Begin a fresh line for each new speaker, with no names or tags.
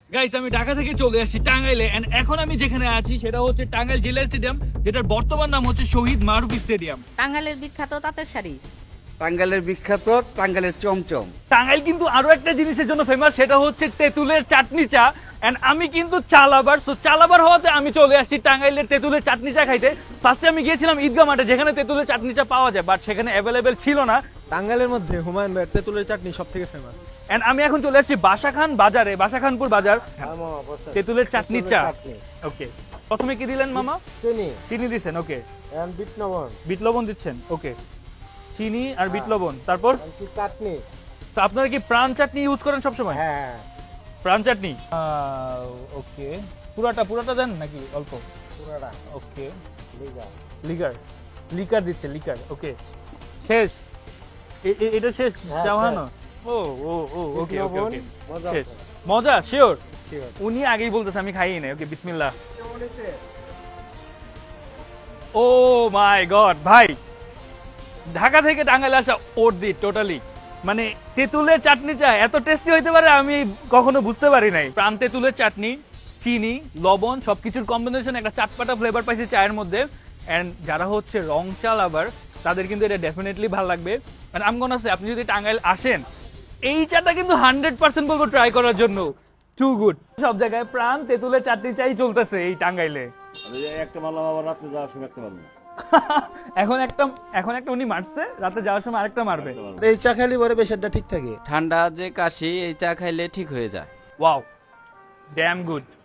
Guys আমি ঢাকা থেকে চলে আসছি টাঙ্গাইলে এন্ড এখন আমি যেখানে আছি সেটা হচ্ছে টাঙ্গাইল জেলা স্টেডিয়াম, যেটার বর্তমান নাম হচ্ছে শহীদ মারুফ স্টেডিয়াম।
টাঙ্গাইলের বিখ্যাত তাঁতের শাড়ি।
টাঙ্গাইলের বিখ্যাত টাঙ্গাইলের চমচম।
টাঙ্গাইল কিন্তু আরো একটা জিনিসের জন্য ফেমাস, সেটা হচ্ছে তেঁতুলের চাটনি চা। এন্ড আমি কিন্তু চা লাভার, সো চা লাভার হওয়াতে আমি চলে আসছি টাঙ্গাইলের তেঁতুলের চাটনি চা খাইতে। ফার্স্টে আমি গিয়েছিলাম ঈদগাহ মাঠে, যেখানে তেঁতুলের চাটনি চা পাওয়া যায়, বাট সেখানে অ্যাভেলেবেল ছিল না।
টাঙ্গাইলের মধ্যে হুমায়ুন ভাইয়ের তেঁতুলের চাটনি সব থেকে ফেমাস।
এন্ড আমি এখন চলে আসছি বাসাখান বাজারে, বাসাখানপুর বাজার, তেঁতুলের চাটনি চা। ওকে, প্রথমে কি দিলেন মামা? চিনি দিচ্ছেন, ওকে। বিট লবণ দিচ্ছেন, ওকে। চিনি আর বিট লবণ, তারপর
চাটনি।
তো আপনারা কি প্রাণ চাটনি ইউজ করেন সবসময়?
হ্যাঁ,
প্রাণ চাটনি, ওকে। পুরাটা দেন নাকি অল্প?
পুরাটা।
ওকে, লিকার দিচ্ছে, লিকার, ওকে। শেষ? এটা শেষ জাহানো? ও ও ও ওকে ওকে ওকে, শেষ। মজা শিওর? উনি আগেই বলতেছে, আমি খাইই না। ওকে, বিসমিল্লাহ। ও মাই গড ভাই, ঢাকা থেকে টাঙ্গাইলে আসা ওর্দি টোটালি। মানে তেঁতুলের চাটনি চা এত টেস্টি হইতে পারে আমি কখনো বুঝতে পারি নাই। প্রাণ তেঁতুলের চাটনি, চিনি, লবণ সবকিছুর কম্বিনেশন, একটা চাটপাটা ফ্লেভার পাইছি চায়ের মধ্যে। এন্ড যারা হচ্ছে রং চা লাভার তাদের কিন্তু এটা ডেফিনেটলি ভালো লাগবে। এন্ড আমি মনে আছে আপনি যদি টাঙ্গাইল আসেন, এই চাটা কিন্তু 100% বলবো ট্রাই করার জন্য। Too good. সব জায়গায় প্রাণ তেঁতুলের চাটনি চাই চলতেছে এই টাঙ্গাইলে।
একটা মারলাম, আবার রাত্রে যাওয়ার সময় একটা মারলাম।
এখন একটা উনি মারছে, রাতে যাওয়ার সময় আরেকটা মারবে।
এই চা খালি পরে প্রেশারটা ঠিক থাকে।
ঠান্ডা যে কাশি এই চা খাইলে ঠিক হয়ে যায়।
Wow, damn good.